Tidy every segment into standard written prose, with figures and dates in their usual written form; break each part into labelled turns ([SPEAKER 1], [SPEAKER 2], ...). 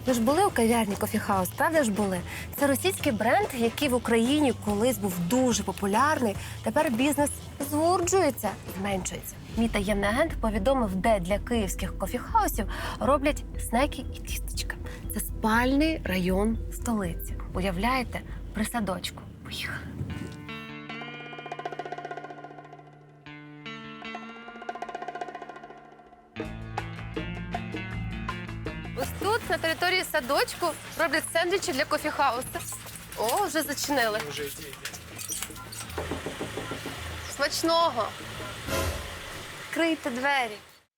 [SPEAKER 1] Ви ж були у кав'ярні Coffee House, правда ж були? Це російський бренд, який в Україні колись був дуже популярний. Тепер бізнес згурджується, зменшується. Мій таємний агент повідомив, де для київських кофіхаусів роблять снеки і тістечка. Це спальний район столиці. Уявляєте? При садочку. Поїхали. Ось тут, на території садочку, роблять сендвічі для кофіхаусу. О, вже зачинили. Смачного. Відкрийте двері.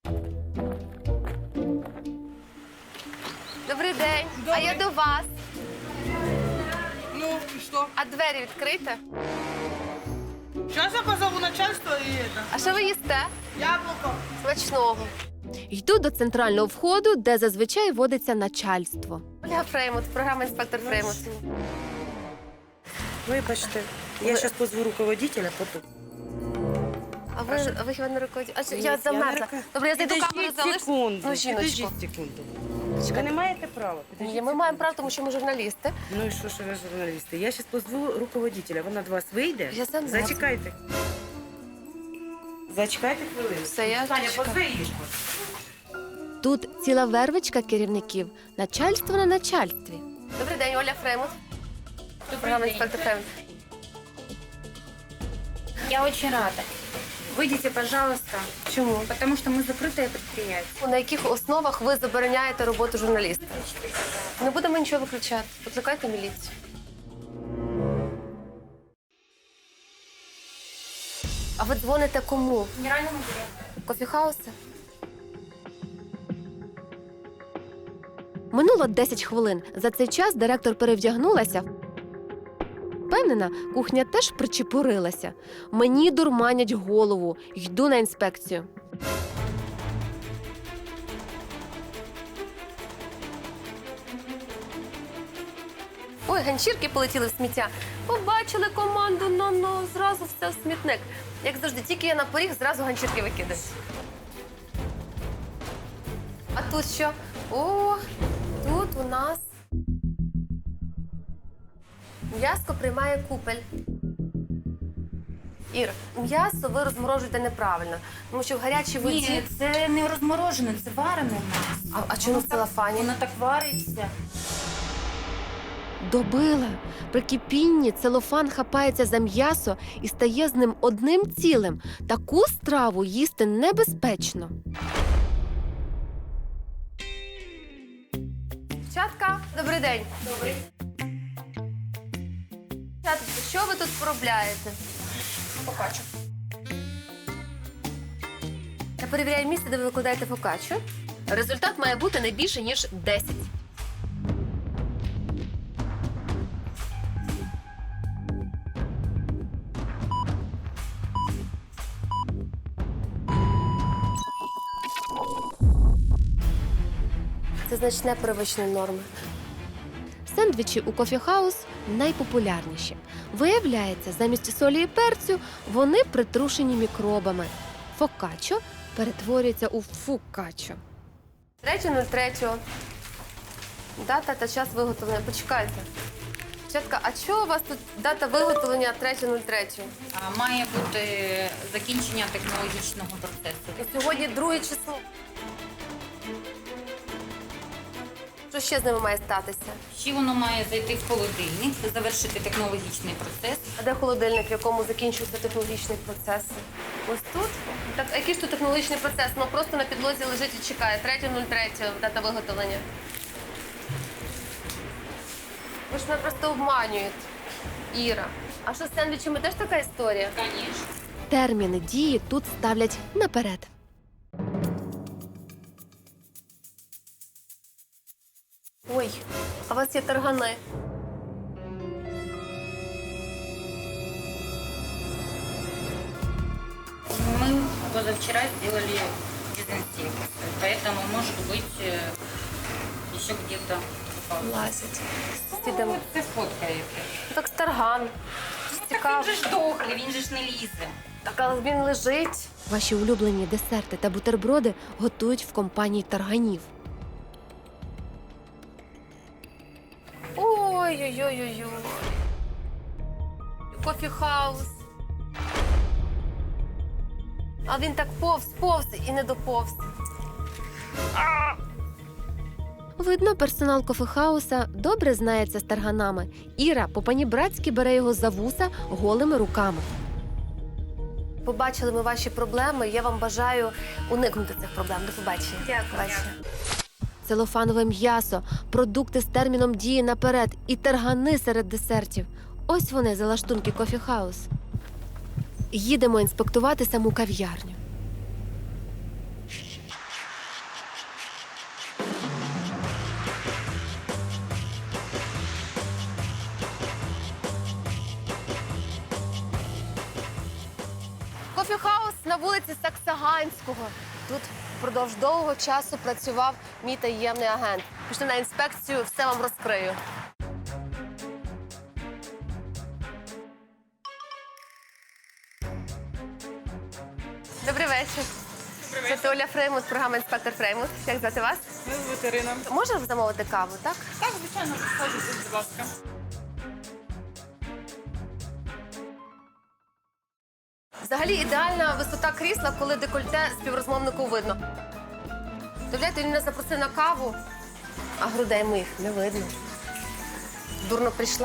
[SPEAKER 1] Добрий день. А я до вас.
[SPEAKER 2] Ну, и что?
[SPEAKER 1] А двері відкрийте.
[SPEAKER 2] Сейчас я позову начальство и это.
[SPEAKER 1] А що ви їсте?
[SPEAKER 2] Яблоко.
[SPEAKER 1] Смачного. Йду до центрального входу, де зазвичай водиться начальство. Оля Фреймут, програма «Інспектор Фреймут».
[SPEAKER 3] Вибачте, я зараз позву руководителя, потім.
[SPEAKER 1] А ви хіба не руководите? Я замерзла. Добре, я зайду камеру залишу.
[SPEAKER 3] секунду.
[SPEAKER 1] Ну, жіночко.
[SPEAKER 3] Підождіть секунду. Ви не маєте права.
[SPEAKER 1] Ні, ми маємо право, тому що ми журналісти.
[SPEAKER 3] Ну і що ви журналісти? Я зараз позву руководителя, вона до вас вийде.
[SPEAKER 1] Я замерзла.
[SPEAKER 3] Зачекайте. Зачекайте хвилину.
[SPEAKER 1] Все, я
[SPEAKER 3] Таня,
[SPEAKER 1] чекаю.
[SPEAKER 3] позви її.
[SPEAKER 1] Тут ціла вервичка керівників. Начальство на начальстві. Добрий день, Оля Фреймут. Програма «Інспектор Фреймут».
[SPEAKER 4] Я очень рада. Выйдите, пожалуйста,
[SPEAKER 1] Чому?
[SPEAKER 4] потому что мы закрытое предприятие.
[SPEAKER 1] На яких основах ви забороняєте роботу журналіста? Не будемо нічого виключати. Викликайте міліцію. А ви дзвоните кому?
[SPEAKER 4] Генеральному директору.
[SPEAKER 1] Кофіхауси? Минуло 10 хвилин. За цей час директор перевдягнулася. Впевнена, кухня теж причепурилася. Мені дурманять голову. Йду на інспекцію. Ой, ганчірки полетіли в сміття. Побачили команду, зразу все в смітник. Як завжди, тільки я на поріг, зразу ганчірки викидають. А тут що? О, тут у нас м'ясо приймає купель. Ір, м'ясо ви розморожуєте неправильно, тому що в гарячій воді...
[SPEAKER 4] Ні, це не розморожене, це варене м'ясо.
[SPEAKER 1] А чому в целофані?
[SPEAKER 4] Воно так вариться.
[SPEAKER 1] Добила. При кипінні целофан хапається за м'ясо і стає з ним одним цілим. Таку страву їсти небезпечно. Дівчатка, добрий день. Добрий. Дівчатка, що ви тут поробляєте?
[SPEAKER 4] Фокаччо.
[SPEAKER 1] Я перевіряю місце, де ви викладаєте фокаччо. Результат має бути не більше, ніж 10. Це значне перевищення норми. Сендвічі у Coffee House найпопулярніші. Виявляється, замість солі і перцю вони притрушені мікробами. Фокаччо перетворюється у фукаччо. 3.03. Дата та час виготовлення. Почекайте. Дівчатка, а чого у вас тут дата виготовлення 3.03?
[SPEAKER 4] Має бути закінчення технологічного процесу.
[SPEAKER 1] І сьогодні 2 число. Що ще з ними має статися?
[SPEAKER 4] Ще воно має зайти в холодильник, завершити технологічний процес.
[SPEAKER 1] А де холодильник, в якому закінчуються технологічні процеси? Ось тут? Так, а який ж тут технологічний процес? Ну просто на підлозі лежить і чекає. 3.03 дата виготовлення. Ви ж мене просто обманюєте, Іра. А що з сендвічами теж така історія?
[SPEAKER 4] Звісно.
[SPEAKER 1] Терміни дії тут ставлять наперед. Ой, а у вас є таргани.
[SPEAKER 4] Мы позавчера сделали дезинсекцию, поэтому, может быть, еще где-то
[SPEAKER 1] Лазять.
[SPEAKER 4] Ну, це сфоткаєте.
[SPEAKER 1] Так тарган. Цікаво.
[SPEAKER 4] Він же ж дохлий, він же ж не лізе.
[SPEAKER 1] Так, але він лежить. Ваші улюблені десерти та бутерброди готують в компанії тарганів. Ой-ой-ой-ой-ой. Кофі-хаус. А він так повз і не доповз. Видно, персонал кофехауса добре знається з тарганами. Іра по-панібратськи бере його за вуса голими руками. Побачили ми ваші проблеми. Я вам бажаю уникнути цих проблем. До побачення.
[SPEAKER 4] Дякую.
[SPEAKER 1] Целофанове м'ясо, продукти з терміном дії наперед і таргани серед десертів. Ось вони, залаштунки кофі-хаус. Їдемо інспектувати саму кав'ярню. Кофі-хаус на вулиці Саксаганського. Тут впродовж довгого часу працював мій таємний агент. Пішли на інспекцію, все вам розкрию. Добрий вечір. Це Оля Фреймут, програма «Інспектор Фреймут». Як звати вас?
[SPEAKER 2] Ми з ветеринаром.
[SPEAKER 1] Можна замовити каву, так?
[SPEAKER 2] Так, звичайно, підходьте, будь ласка.
[SPEAKER 1] Взагалі ідеальна висота крісла, коли декольте співрозмовнику видно. Уявляєте, він мене запросив на каву, а грудей моїх не видно. Дурно прийшла.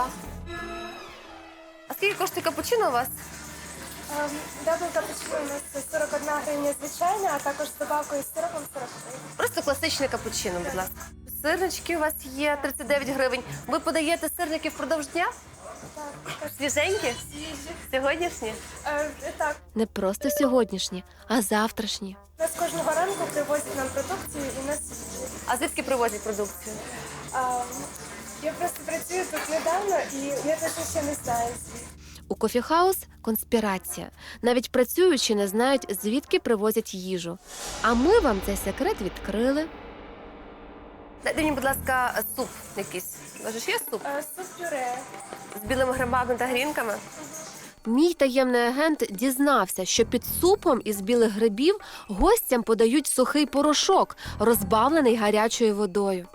[SPEAKER 1] А скільки коштує капучино у вас?
[SPEAKER 5] Дабл капучино у нас 41 гривня звичайна, а також з добавкою з сиропом 40 гривень.
[SPEAKER 1] Просто класичне капучино, будь ласка. Сирнички у вас є 39 гривень. Ви подаєте сирники впродовж дня?
[SPEAKER 5] Так,
[SPEAKER 1] Свіженькі?
[SPEAKER 5] свіжі.
[SPEAKER 1] Сьогоднішні?
[SPEAKER 5] Так,
[SPEAKER 1] Не просто сьогоднішні, а завтрашні.
[SPEAKER 5] нас кожного ранку привозять нам продукцію і нас свіжі.
[SPEAKER 1] А звідки привозять продукцію?
[SPEAKER 5] Я просто працюю тут недавно і я точно ще не знаю звідки.
[SPEAKER 1] У кофі-хаус конспірація. Навіть працюючі не знають, звідки привозять їжу. А ми вам цей секрет відкрили. Дайте мені, будь ласка, суп якийсь. У вас же ж є суп?
[SPEAKER 5] Суп-пюре.
[SPEAKER 1] З білими грибами та грінками? Мій таємний агент дізнався, що під супом із білих грибів гостям подають сухий порошок, розбавлений гарячою водою.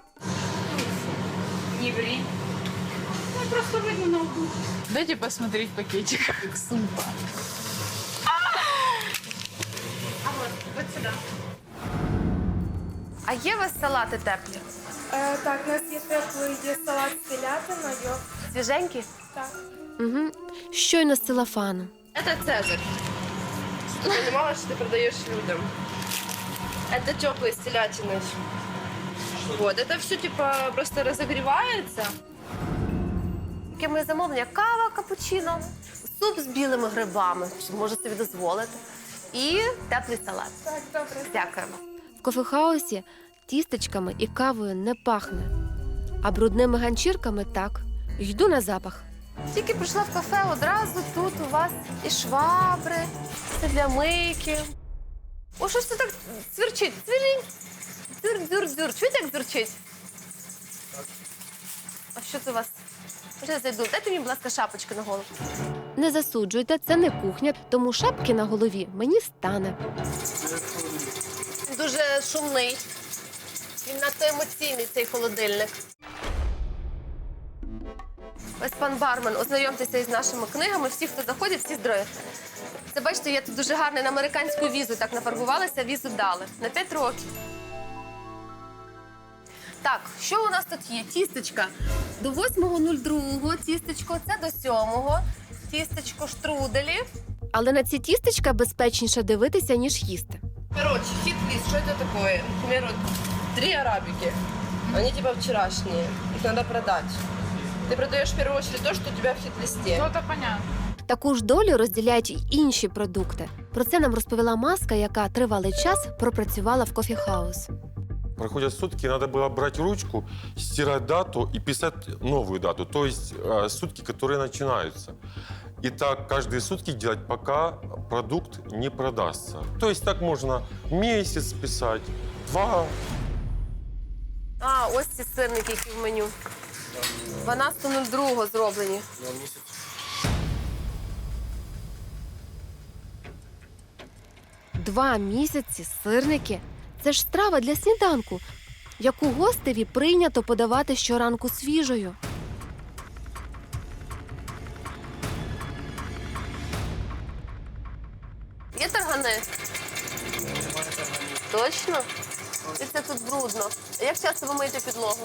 [SPEAKER 4] Не ври.
[SPEAKER 2] Ну, просто видно на углу. Дайте посмотреть пакетик супа.
[SPEAKER 1] А є у вас салати теплі?
[SPEAKER 5] Так, у нас є теплий є салат з телятиною.
[SPEAKER 1] Свіженькі?
[SPEAKER 5] Так.
[SPEAKER 1] Угу. Щойно з целофану.
[SPEAKER 6] Это Цезарь. Ты понимала, что ты продаешь людям? Это теплый с телятиной. Вот, это все типа просто разогревается.
[SPEAKER 1] Яке моє замовлення? Кава, капучино, суп з білими грибами, що може собі дозволити, і теплий салат.
[SPEAKER 5] Так, добре.
[SPEAKER 1] Дякуємо. В кофехаусі тістечками і кавою не пахне, а брудними ганчірками так. Йду на запах. Тільки прийшла в кафе, одразу тут у вас і швабри, все для мийки. О, що ж це так цвірчить? Цвірінь. Дзюр-дзюр-дзюр. Чуєте, як дзюрчить? А що це у вас? Вже зайду. Дайте мені, будь ласка, шапочки на голову. Не засуджуйте, це не кухня, тому шапки на голові мені стане. Дуже шумний. Він надто емоційний, цей холодильник. Ось пан бармен, ознайомтеся із нашими книгами. Всі, хто заходять, всі здорові. Це, бачите, я тут дуже гарно на американську візу так нафарбувалася, візу дали. На 5 років. Так, що у нас тут є? Тістечка. До 8.02 тістечко, це до 7-го. Тістечко штруделі. Але на ці тістечка безпечніше дивитися, ніж їсти.
[SPEAKER 6] Короче, хит-лист, что это такое? Например, вот 3 арабики. Они типа вчерашние. Их надо продать. Ты продаешь в первую очередь то, что у тебя в хит-листе.
[SPEAKER 2] Ну, это понятно.
[SPEAKER 1] Таку ж долю розділяють й інші продукти. Про це нам розповіла Маска, яка тривалий час пропрацювала в кофі-хаус.
[SPEAKER 7] Проходят сутки, надо было брать ручку, стирать дату и писать новую дату, то есть сутки, которые начинаются. И так каждые сутки делать, пока продукт не продастся. То есть так можно месяц писать, 2.
[SPEAKER 1] А, ось ці сирники, які в меню. 12.02 зроблені. Два місяці сирники – це ж страва для сніданку, яку гостеві прийнято подавати щоранку свіжою. Є таргани? Точно? І це тут брудно. А як часто ви миєте підлогу?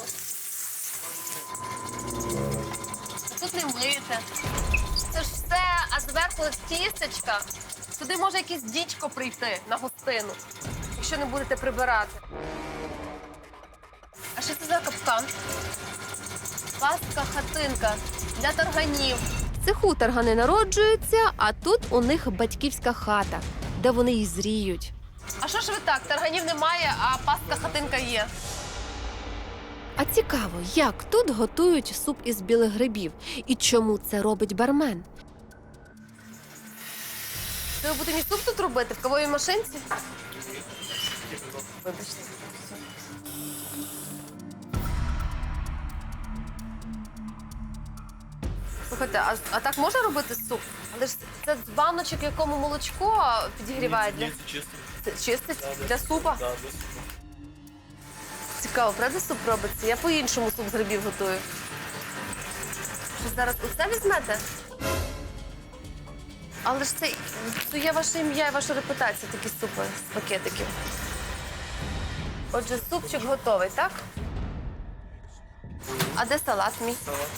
[SPEAKER 1] Тут не миєте. Це ж все, а зверху тістечка. Туди може якийсь дідько прийти на гостину, якщо не будете прибирати. А що це за капкан? Пастка-хатинка для тарганів. В цеху таргани народжуються, а тут у них батьківська хата, де вони й зріють. А що ж ви так? Тарганів немає, а пастка-хатинка є. А цікаво, як тут готують суп із білих грибів і чому це робить бармен? Ви будете мій суп тут робити в кавовій машинці? Вибачте. Слухайте, а так можна робити суп? Але ж це з баночок, якому молочко підігрівають для... Чистить? Для супа? Цікаво, правда суп робиться? Я по-іншому суп з грибів готую. Що зараз усе візьмете? Але ж це є ваше ім'я і ваша репутація, такі супи з пакетиків. Отже, супчик готовий, так? А де салат мій?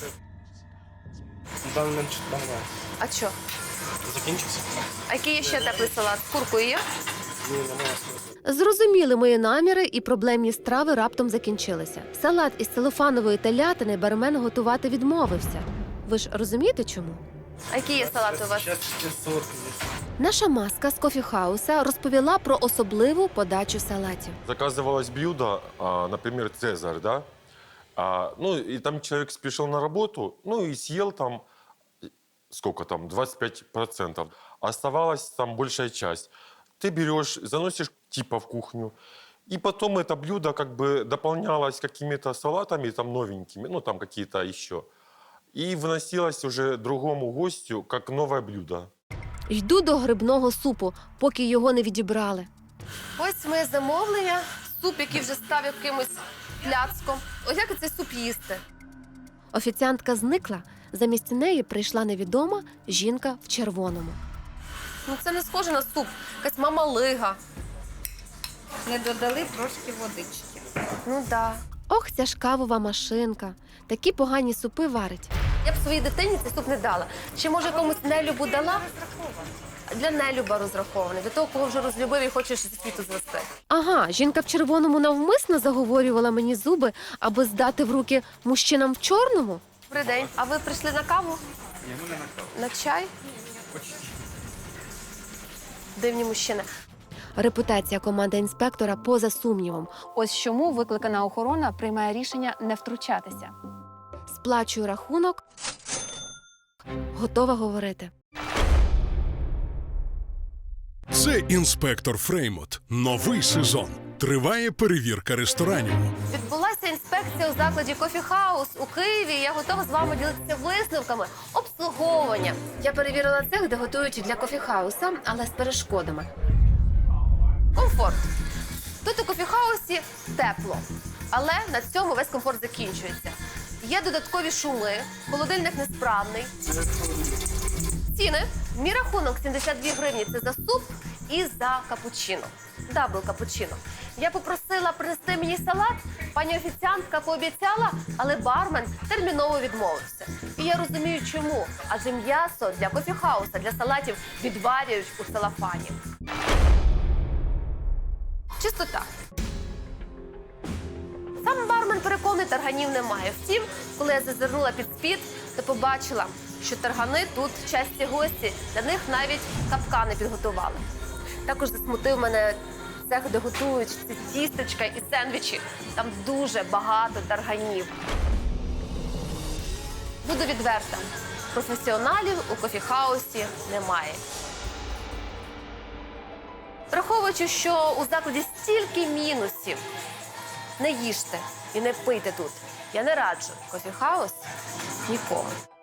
[SPEAKER 8] На даний момент немає.
[SPEAKER 1] А що?
[SPEAKER 8] Закінчився?
[SPEAKER 1] А який є ще теплий салат? З куркою є?
[SPEAKER 8] Ні, немає.
[SPEAKER 1] Зрозуміли мої наміри, і проблемні страви раптом закінчилися. Салат із целофанової телятини бармен готувати відмовився. Ви ж розумієте, чому? А які є салати у вас?
[SPEAKER 8] Зараз солодкий є.
[SPEAKER 1] Наша маска з кофіхауса розповіла про особливу подачу салатів.
[SPEAKER 7] Заказывалось блюдо, например, «Цезарь», да? Ну, и там человек спешил на работу, ну, и съел там, сколько там, 25%. Оставалась там большая часть. Ты берешь, заносишь типа в кухню, и потом это блюдо как бы дополнялось какими-то салатами там новенькими, ну, там какие-то еще. И выносилось уже другому гостю как новое блюдо.
[SPEAKER 1] Йду до грибного супу, поки його не відібрали. Ось моє замовлення. Суп, який вже став якимось пляцком. Ось як цей суп їсти? Офіціантка зникла. Замість неї прийшла невідома жінка в червоному. Ну це не схоже на суп. Якась мамалига.
[SPEAKER 4] Не додали трошки водички.
[SPEAKER 1] Ну да. Ох, ця ж кавова машинка. Такі погані супи варить. Я б своїй дитині цей суп не дала. Чи може комусь нелюбу дала? Для нелюба розрахований. До того, кого вже розлюбив і хочеш зі світу звести. Ага, жінка в червоному навмисно заговорювала мені зуби, аби здати в руки мужчинам в чорному. Добрий день. А ви прийшли на каву?
[SPEAKER 8] Ні, ми не на каву.
[SPEAKER 1] На чай? Дивні мужчини. Репутація команди інспектора поза сумнівом. Ось чому викликана охорона приймає рішення не втручатися. Сплачую рахунок. Готова говорити.
[SPEAKER 9] Це інспектор Фреймут. Новий сезон. Триває перевірка ресторанів.
[SPEAKER 1] Відбулася інспекція у закладі «Кофі-хаус» у Києві. Я готова з вами ділитися висновками обслуговування. Я перевірила цех, де готують для «Кофі-хауса», але з перешкодами. Комфорт. Тут у «Кофі-хаусі» тепло, але на цьому весь комфорт закінчується. Є додаткові шуми, холодильник несправний. Ціни. Мій рахунок 72 гривні – це за суп і за капучино. Дабл капучино. Я попросила принести мені салат, пані офіціантка пообіцяла, але бармен терміново відмовився. І я розумію, чому. Адже м'ясо для кофі-хауса, для салатів відварюють у целофані. Чистота. Сам бармен переконаний, тарганів немає. Втім, коли я зазирнула під спід, то побачила, що таргани тут часті гості. Для них навіть капкани підготували. Також засмутив мене цех, де готують ці тістечка і сендвічі. Там дуже багато тарганів. Буду відверта. Професіоналів у кофі-хаусі немає. Враховуючи, що у закладі стільки мінусів, не їжте і не пийте тут. Я не раджу кофі-хаус нікому.